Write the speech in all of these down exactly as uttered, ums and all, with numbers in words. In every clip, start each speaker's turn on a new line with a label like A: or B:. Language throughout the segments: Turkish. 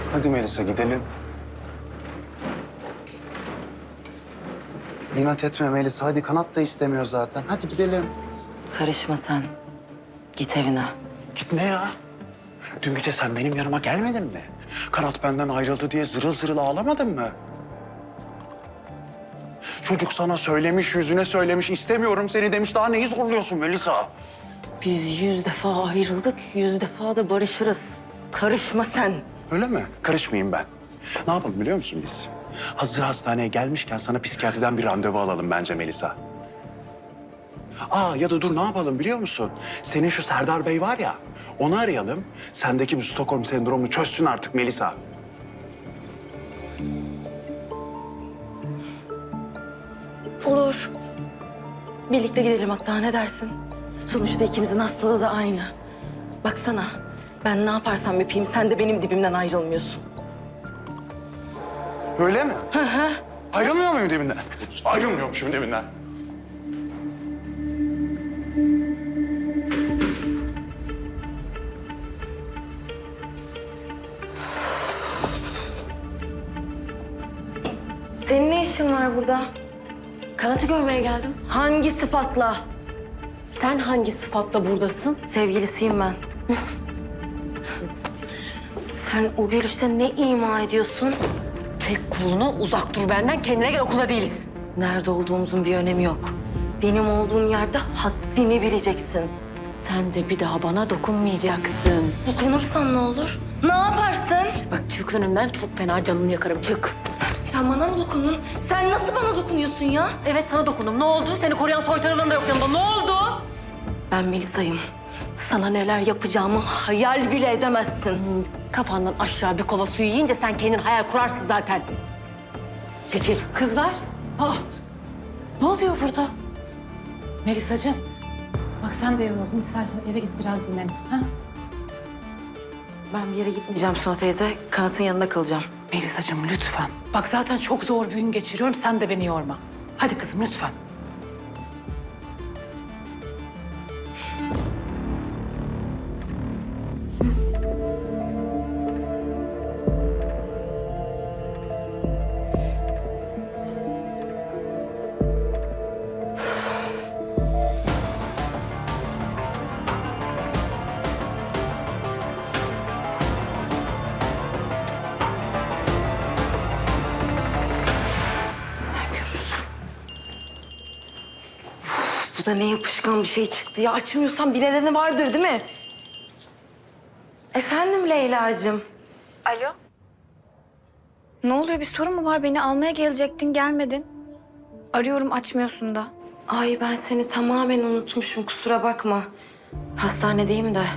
A: Hadi Melisa gidelim. İnat etme Melisa. Hadi Kanat da istemiyor zaten. Hadi gidelim.
B: Karışma sen. Git evine.
A: Git ne ya? Dün gece sen benim yanıma gelmedin mi? Kanat benden ayrıldı diye zırıl zırıl ağlamadın mı? Çocuk sana söylemiş, yüzüne söylemiş, istemiyorum seni demiş. Daha neyi zorluyorsun Melisa?
B: Biz yüz defa ayrıldık, yüz defa da barışırız. Karışma sen.
A: Öyle mi? Karışmayayım ben. Ne yapalım biliyor musun biz? Hazır hastaneye gelmişken sana psikiyatriden bir randevu alalım bence Melisa. Aa ya da dur ne yapalım biliyor musun? Senin şu Serdar Bey var ya, onu arayalım. Sendeki bu Stockholm sendromunu çözsün artık Melisa.
B: Olur. Birlikte gidelim hatta, ne dersin? Sonuçta ikimizin hastalığı da aynı. Baksana, ben ne yaparsam yapayım sen de benim dibimden ayrılmıyorsun.
A: Öyle mi?
B: Hı hı.
A: Ayrılmıyor muyum dibinden? Ayrılmıyormuşum dibinden.
B: Senin ne işin var burada? Kanat'ı görmeye geldim. Hangi sıfatla?
C: Sen hangi sıfatla buradasın?
B: Sevgilisiyim ben. Sen o gülüşte ne ima ediyorsun?
C: Çek kolunu, uzak dur benden. Kendine gel, okula değiliz.
B: Nerede olduğumuzun bir önemi yok. Benim olduğum yerde haddini bileceksin.
C: Sen de bir daha bana dokunmayacaksın.
B: Dokunursam ne olur? Ne yaparsın?
C: Bak çık önümden, çok fena canını yakarım. Çık.
B: Sen bana mı dokundun? Sen nasıl bana dokunuyorsun ya?
C: Evet, sana dokundum. Ne oldu? Seni koruyan soytarılarım da yok yanımda. Ne oldu?
B: Ben Melisa'yım. Sana neler yapacağımı hayal bile edemezsin.
C: Kafandan aşağı bir kova suyu yiyince sen kendin hayal kurarsın zaten. Çekil. Kızlar. Aa, ne oluyor burada?
D: Melisacığım, bak sen de yoruldun. İstersen eve git biraz dinlen. Ha?
B: Ben bir yere gitmeyeceğim Suna teyze. Kanat'ın yanında kalacağım.
D: Melisacığım lütfen. Bak zaten çok zor bir gün geçiriyorum. Sen de beni yorma. Hadi kızım lütfen.
B: Sen görürsün. Bu da ne yapışkan bir şey çıktı ya. Açmıyorsan bir nedeni vardır değil mi? Efendim Leyla'cığım.
E: Alo. Ne oluyor? Bir sorun mu var? Beni almaya gelecektin, gelmedin. Arıyorum, açmıyorsun da.
B: Ay ben seni tamamen unutmuşum, kusura bakma. Hastanedeyim de.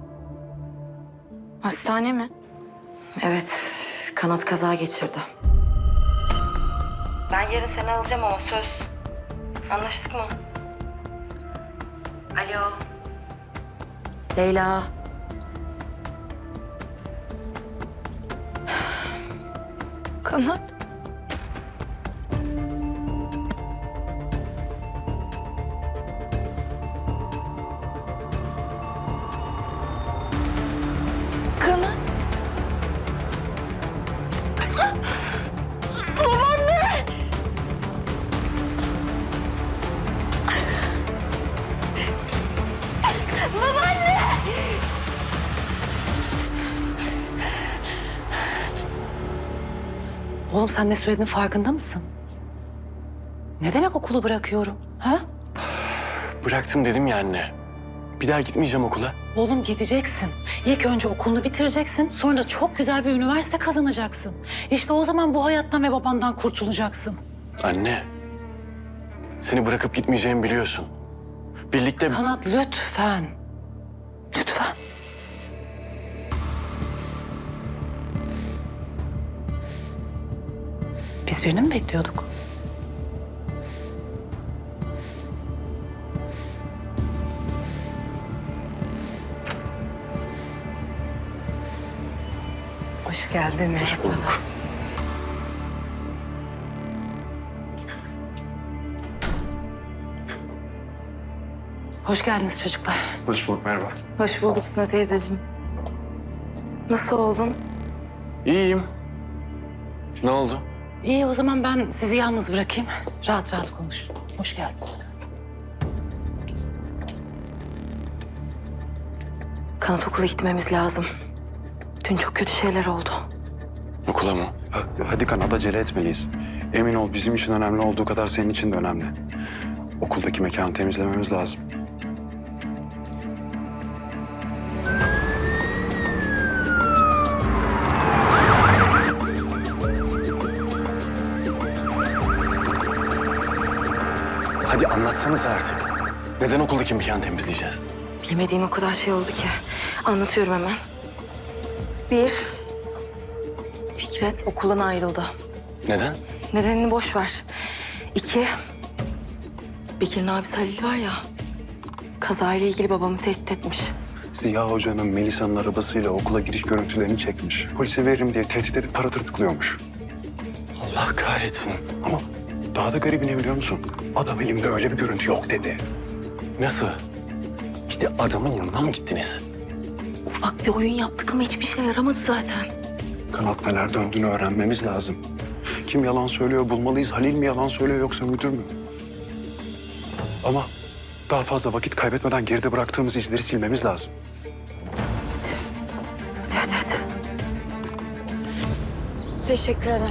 E: Hastane mi?
B: Evet, Kanat kaza geçirdi. Ben yarın seni alacağım ama söz. Anlaştık mı? Alo. Leyla.
E: Kanat. Kanat. Babaanne! Babaanne!
D: Oğlum sen ne söylediğinin farkında mısın? Ne demek okulu bırakıyorum? Ha?
F: Bıraktım dedim ya anne. Bir daha gitmeyeceğim okula.
D: Oğlum gideceksin. İlk önce okulunu bitireceksin. Sonra da çok güzel bir üniversite kazanacaksın. İşte o zaman bu hayattan ve babandan kurtulacaksın.
F: Anne. Seni bırakıp gitmeyeceğimi biliyorsun. Birlikte...
D: Kanat lütfen. Lütfen. Biz birini mi bekliyorduk?
B: Hoş geldiniz.
F: Hoş bulduk.
D: Hoş geldiniz çocuklar.
F: Hoş bulduk, merhaba.
B: Hoş bulduk Suna teyzeciğim. Nasıl oldun?
F: İyiyim. Ne oldu?
D: İyi o zaman ben sizi yalnız bırakayım. Rahat rahat konuş. Hoş geldiniz.
B: Kanat okula gitmemiz lazım. Dün çok kötü şeyler oldu.
F: Okula mı?
A: Ha- Hadi Kanat, acele etmeliyiz. Emin ol, bizim için önemli olduğu kadar senin için de önemli. Okuldaki mekanı temizlememiz lazım.
F: Hadi anlatsanıza artık. Neden okuldaki mekanı temizleyeceğiz?
B: Bilmediğin o kadar şey oldu ki. Anlatıyorum hemen. Bir, Fikret okuldan ayrıldı.
F: Neden?
B: Nedenini boş ver. İki, Bekir'in abisi Halil var ya, kazayla ilgili babamı tehdit etmiş.
A: Ziya Hoca'nın Melisa'nın arabasıyla okula giriş görüntülerini çekmiş. Polise veririm diye tehdit edip para tırtıklıyormuş.
F: Allah kahretsin.
A: Ama daha da garibi ne biliyor musun? Adam elimde öyle bir görüntü yok dedi.
F: Nasıl? İşte adamın yanına mı gittiniz?
B: Ufak bir oyun yaptık ama hiçbir şey yaramadı zaten.
A: Kanat neler döndüğünü öğrenmemiz lazım. Kim yalan söylüyor bulmalıyız. Halil mi yalan söylüyor yoksa müdür mü? Ama daha fazla vakit kaybetmeden geride bıraktığımız izleri silmemiz lazım.
B: Hadi hadi hadi.
E: Teşekkür ederim.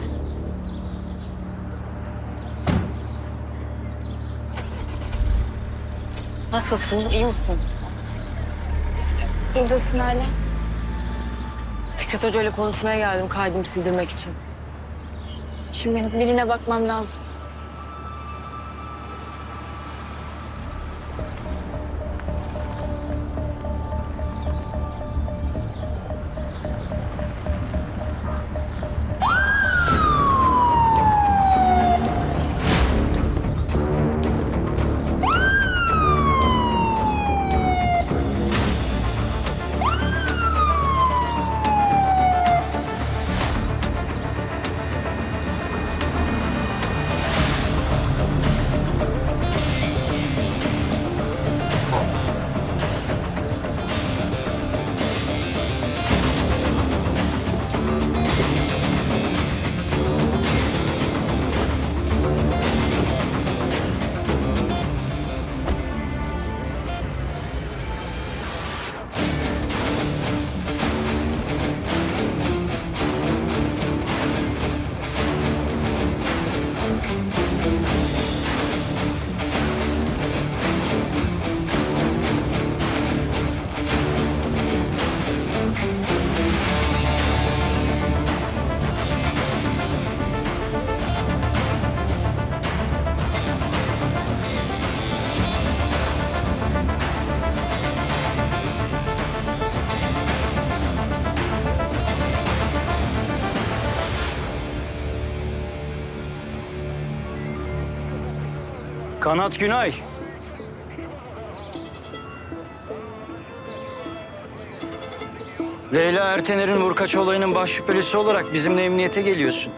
C: Nasılsın? İyi misin?
E: Buradasın hala.
C: Fikret Hoca ile konuşmaya geldim kaydımı sildirmek için.
E: Şimdi benim birine bakmam lazım.
G: Kanat Günay. Leyla Ertener'in vurkaç olayının baş şüphelisi olarak bizimle emniyete geliyorsun.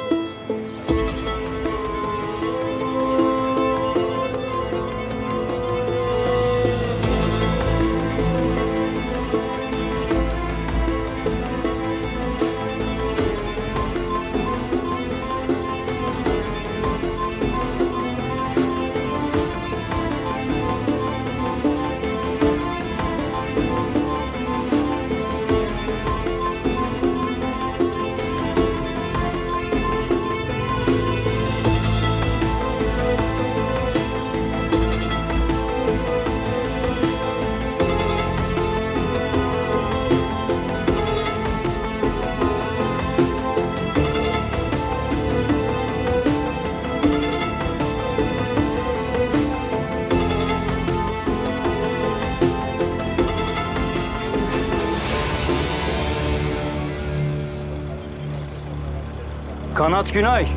G: Kanat Günay.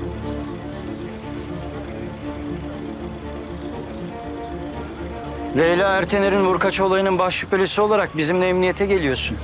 G: Leyla Ertener'in vurkaç olayının baş şüphelisi olarak bizimle emniyete geliyorsun.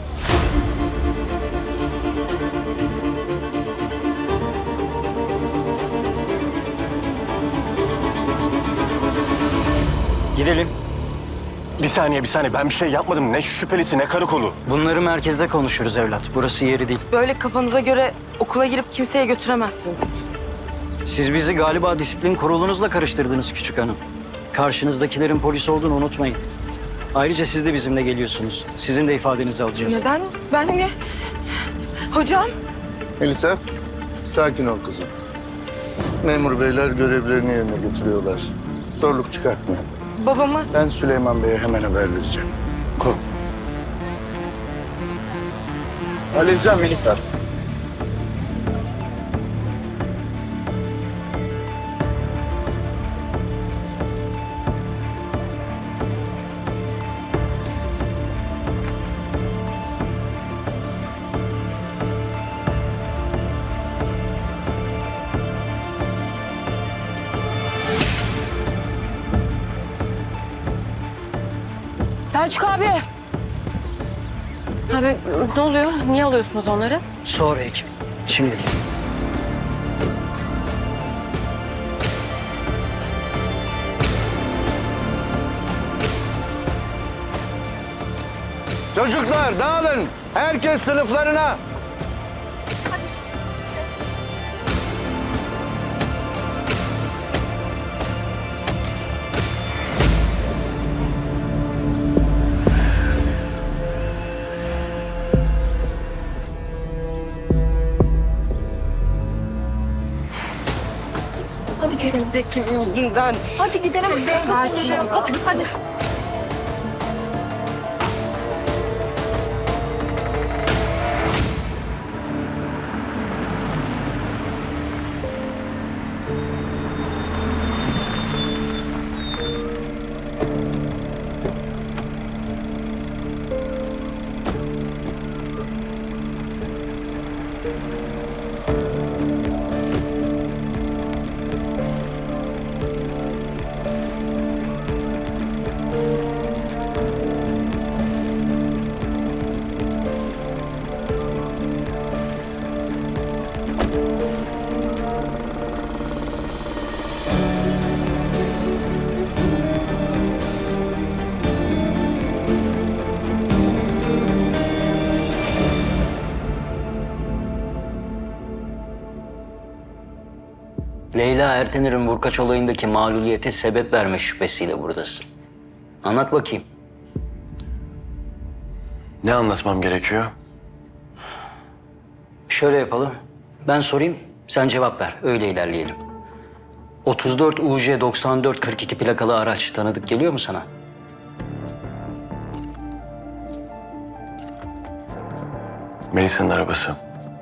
G: Gidelim.
F: Bir saniye bir saniye ben bir şey yapmadım. Ne şüphelisi ne karakolu.
G: Bunları merkezde konuşuruz evlat. Burası yeri değil.
B: Böyle kafanıza göre okula girip kimseye götüremezsiniz.
G: Siz bizi galiba disiplin kurulunuzla karıştırdınız küçük hanım. Karşınızdakilerin polis olduğunu unutmayın. Ayrıca siz de bizimle geliyorsunuz. Sizin de ifadenizi alacağız.
B: Neden? Ben mi? Hocam?
H: Melisa, sakin ol kızım. Memur beyler görevlerini yerine getiriyorlar. Zorluk çıkartma.
B: Babamı?
H: Ben Süleyman Bey'e hemen haber vereceğim. Korkma. Halledeceğim Melisa.
C: Selçuk abi. Abi ne oluyor? Niye alıyorsunuz onları?
G: Sonra ekip. Şimdi.
H: Çocuklar dağılın. Herkes sınıflarına.
B: Hadi gerizekalı yüzünden.
C: Hadi gidelim. Hadi, hadi, hadi.
G: Leyla Ertener'in vurkaç olayındaki mağluliyete sebep verme şüphesiyle buradasın. Anlat bakayım.
F: Ne anlatmam gerekiyor?
G: Şöyle yapalım. Ben sorayım, sen cevap ver. Öyle ilerleyelim. otuz dört U J doksan dört kırk iki plakalı araç tanıdık geliyor mu sana?
F: Melisa'nın arabası.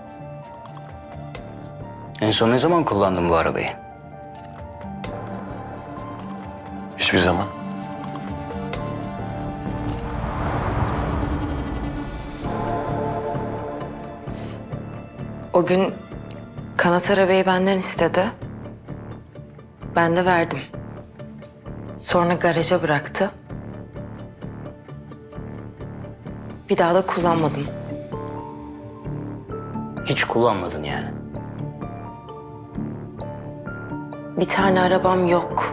G: En son ne zaman kullandın bu arabayı?
F: Hiçbir zaman.
B: O gün kanat arabayı benden istedi. Ben de verdim. Sonra garaja bıraktı. Bir daha da kullanmadım.
G: Hiç kullanmadın yani.
B: Bir tane arabam yok.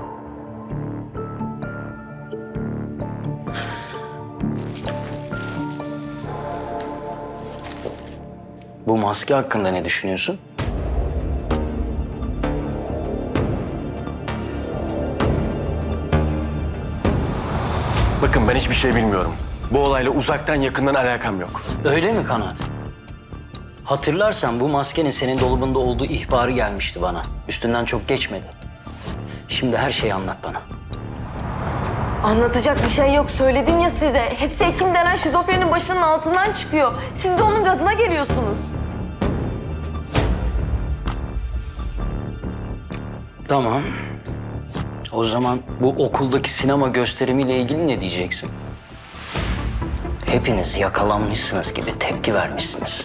G: Bu maske hakkında ne düşünüyorsun?
F: Bakın ben hiçbir şey bilmiyorum. Bu olayla uzaktan yakından alakam yok.
G: Öyle mi Kanat? Hatırlarsan bu maskenin senin dolabında olduğu ihbarı gelmişti bana. Üstünden çok geçmedi. Şimdi her şeyi anlat bana.
B: Anlatacak bir şey yok. Söyledim ya size. Hepsi Ekim denen şizofrenin başının altından çıkıyor. Siz de onun gazına geliyorsunuz.
G: Tamam. O zaman bu okuldaki sinema gösterimiyle ilgili ne diyeceksin? Hepiniz yakalanmışsınız gibi tepki vermişsiniz.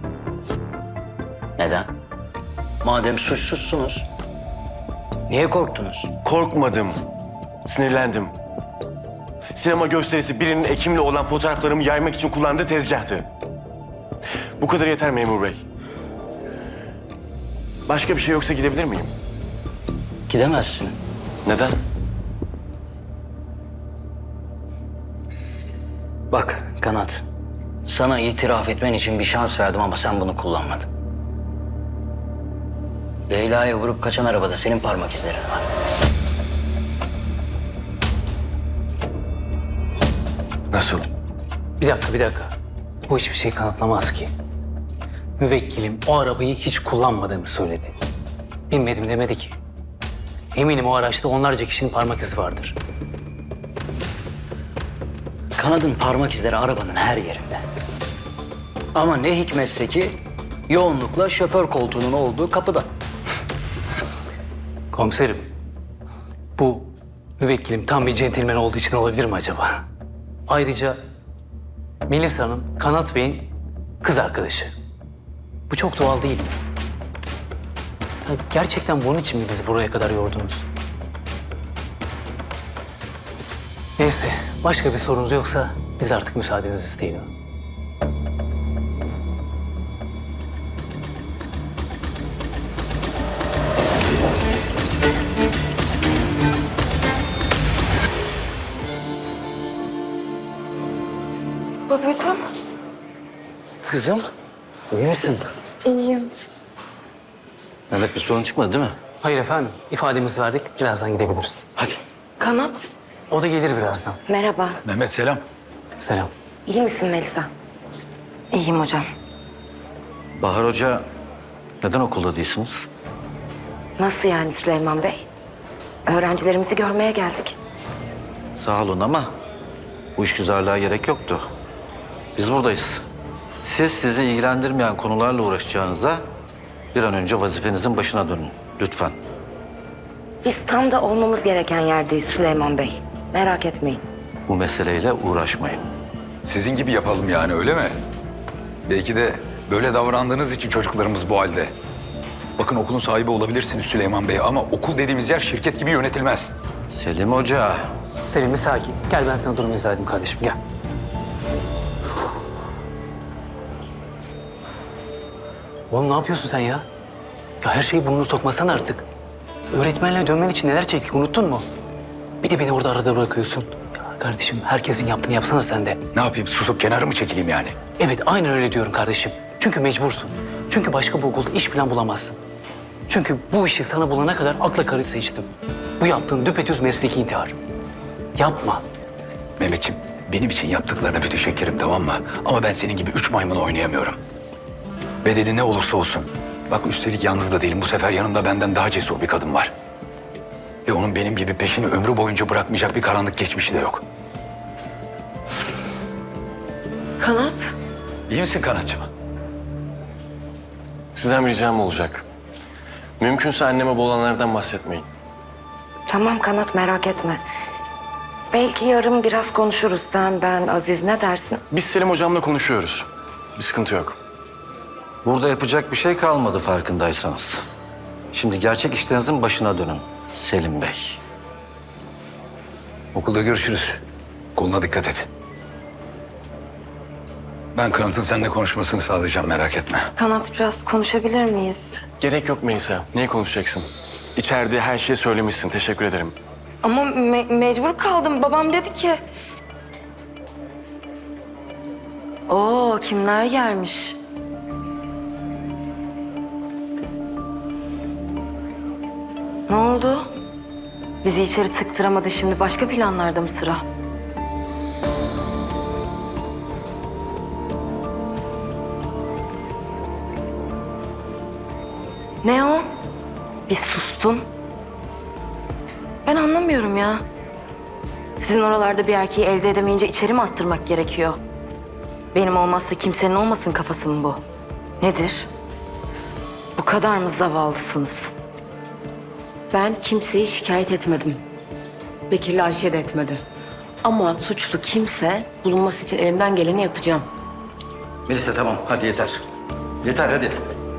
G: Neden? Madem suçsuzsunuz, niye korktunuz?
F: Korkmadım. Sinirlendim. Sinema gösterisi birinin Ekim'le olan fotoğraflarımı yaymak için kullandığı tezgahtı. Bu kadar yeter memur bey. Başka bir şey yoksa gidebilir miyim?
G: Gidemezsin.
F: Neden?
G: Bak Kanat, sana itiraf etmen için bir şans verdim ama sen bunu kullanmadın. Leyla'ya vurup kaçan arabada senin parmak izlerin var.
F: Nasıl?
I: Bir dakika, bir dakika. Bu hiçbir şey kanıtlamaz ki. Müvekkilim o arabayı hiç kullanmadığını söyledi. Bilmedim demedi ki. Eminim o araçta onlarca kişinin parmak izi vardır.
G: Kanadın parmak izleri arabanın her yerinde. Ama ne hikmetse ki yoğunlukla şoför koltuğunun olduğu kapıda.
I: Komiserim, bu müvekkilim tam bir centilmen olduğu için olabilir mi acaba? Ayrıca Melisa'nın Kanat Bey'in kız arkadaşı. Bu çok doğal değil. Ya gerçekten bunun için mi bizi buraya kadar yordunuz? Neyse, başka bir sorunuz yoksa biz artık müsaadenizi isteyelim.
B: Babacığım.
G: Kızım, iyi misin?
B: İyiyim.
G: Mehmet bir sorun çıkmadı değil mi?
I: Hayır efendim, ifademizi verdik. Birazdan gidebiliriz.
G: Hadi.
B: Kanat.
I: O da gelir birazdan.
B: Merhaba.
A: Mehmet selam.
I: Selam.
B: İyi misin Melisa? İyiyim hocam.
J: Bahar Hoca, neden okulda değilsiniz?
B: Nasıl yani Süleyman Bey? Öğrencilerimizi görmeye geldik.
J: Sağ olun ama bu işgüzarlığa gerek yoktu. Biz buradayız. Siz sizi ilgilendirmeyen konularla uğraşacağınıza bir an önce vazifenizin başına dönün. Lütfen.
B: Biz tam da olmamız gereken yerdeyiz Süleyman Bey. Merak etmeyin.
J: Bu meseleyle uğraşmayın.
K: Sizin gibi yapalım yani, öyle mi? Belki de böyle davrandığınız için çocuklarımız bu halde. Bakın, okulun sahibi olabilirsiniz Süleyman Bey ama okul dediğimiz yer şirket gibi yönetilmez.
J: Selim Hoca,
I: Selim bir sakin. Gel ben sana durumu izah edeyim kardeşim, gel. Oğlum ne yapıyorsun sen ya? Ya her şeyi burnunu sokmasana artık. Öğretmenle dönmen için neler çektik unuttun mu? Bir de beni orada arada bırakıyorsun. Ya kardeşim herkesin yaptığını yapsana sen de.
K: Ne yapayım, susup kenara mı çekileyim yani?
I: Evet aynen öyle diyorum kardeşim. Çünkü mecbursun. Çünkü başka bir okulda iş falan bulamazsın. Çünkü bu işi sana bulana kadar akla karı seçtim. Bu yaptığın düpedüz mesleki intihar. Yapma.
K: Mehmetciğim, benim için yaptıklarına müteşekkirim, tamam mı? Ama ben senin gibi üç maymun oynayamıyorum. Bedeli ne olursa olsun. Bak, üstelik yalnız da değilim. Bu sefer yanımda benden daha cesur bir kadın var. Ve onun benim gibi peşini ömrü boyunca bırakmayacak bir karanlık geçmişi de yok.
B: Kanat.
K: İyi misin Kanatçığım?
F: Sizden bir ricam olacak. Mümkünse anneme bu olanlardan bahsetmeyin.
B: Tamam Kanat merak etme. Belki yarın biraz konuşuruz. Sen, ben, Aziz ne dersin?
F: Biz Selim hocamla konuşuyoruz. Bir sıkıntı yok.
J: burada yapacak bir şey kalmadı farkındaysanız. Şimdi gerçek işlerinizin başına dönün Selim Bey.
K: Okulda görüşürüz. Koluna dikkat et. Ben Kanat'ın seninle konuşmasını sağlayacağım, merak etme.
B: Kanat biraz konuşabilir miyiz?
F: Gerek yok Melisa. Niye konuşacaksın? İçeride her şeyi söylemişsin. Teşekkür ederim.
B: Ama me- mecbur kaldım. Babam dedi ki... Oo kimler gelmiş? Ne oldu? Bizi içeri tıktıramadı, şimdi başka planlarda mı sıra? Ne o? Bir sustun. Ben anlamıyorum ya. Sizin oralarda bir erkeği elde edemeyince içeri mi attırmak gerekiyor? Benim olmazsa kimsenin olmasın kafası mı bu? Nedir? Bu kadar mı zavallısınız?
C: Ben kimseyi şikayet etmedim. Bekir'le Ayşe de etmedi. Ama suçlu kimse bulunması için elimden geleni yapacağım.
J: Melisa tamam, hadi yeter. Yeter, hadi.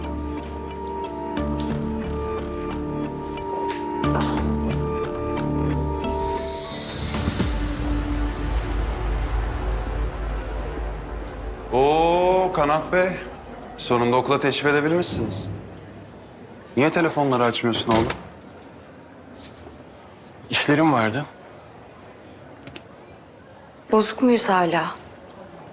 A: Oo Kanat Bey. Sonunda okula teşrif edebilmişsiniz. Niye telefonları açmıyorsun oğlum?
F: İşlerim vardı.
B: Bozuk muyuz hala?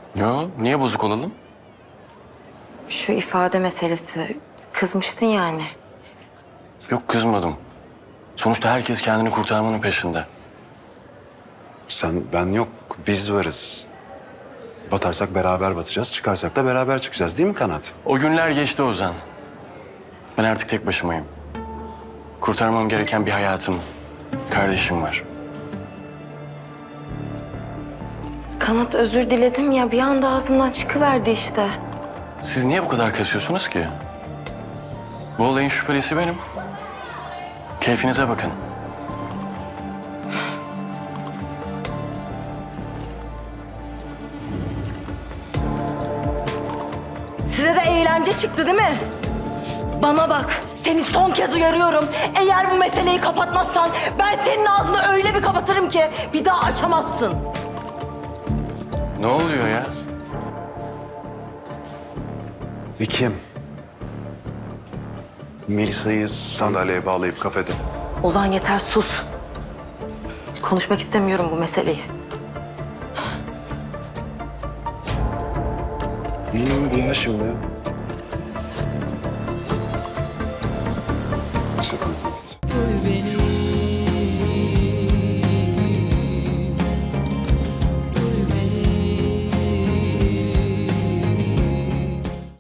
F: Yo, niye bozuk olalım?
C: Şu ifade meselesi. Kızmıştın yani.
F: Yok, kızmadım. Sonuçta herkes kendini kurtarmanın peşinde.
A: Sen, ben yok. Biz varız. Batarsak beraber batacağız, çıkarsak da beraber çıkacağız değil mi Kanat?
F: O günler geçti Ozan. Ben artık tek başımayım. Kurtarmam gereken bir hayatım, kardeşim var.
C: Kanat özür diledim ya bir anda ağzımdan çıkıverdi işte.
F: Siz niye bu kadar kasıyorsunuz ki? Bu olayın şüphelisi benim. Keyfinize bakın.
B: Size de eğlence çıktı değil mi? Bana bak, seni son kez uyarıyorum. Eğer bu meseleyi kapatmazsan ben senin ağzını öyle bir kapatırım ki bir daha açamazsın.
F: Ne oluyor ya?
A: Vikim. Melisa'yı sandalyeye bağlayıp kafede.
B: Ozan yeter sus. Konuşmak istemiyorum bu meseleyi.
A: Ne oldu ya şimdi?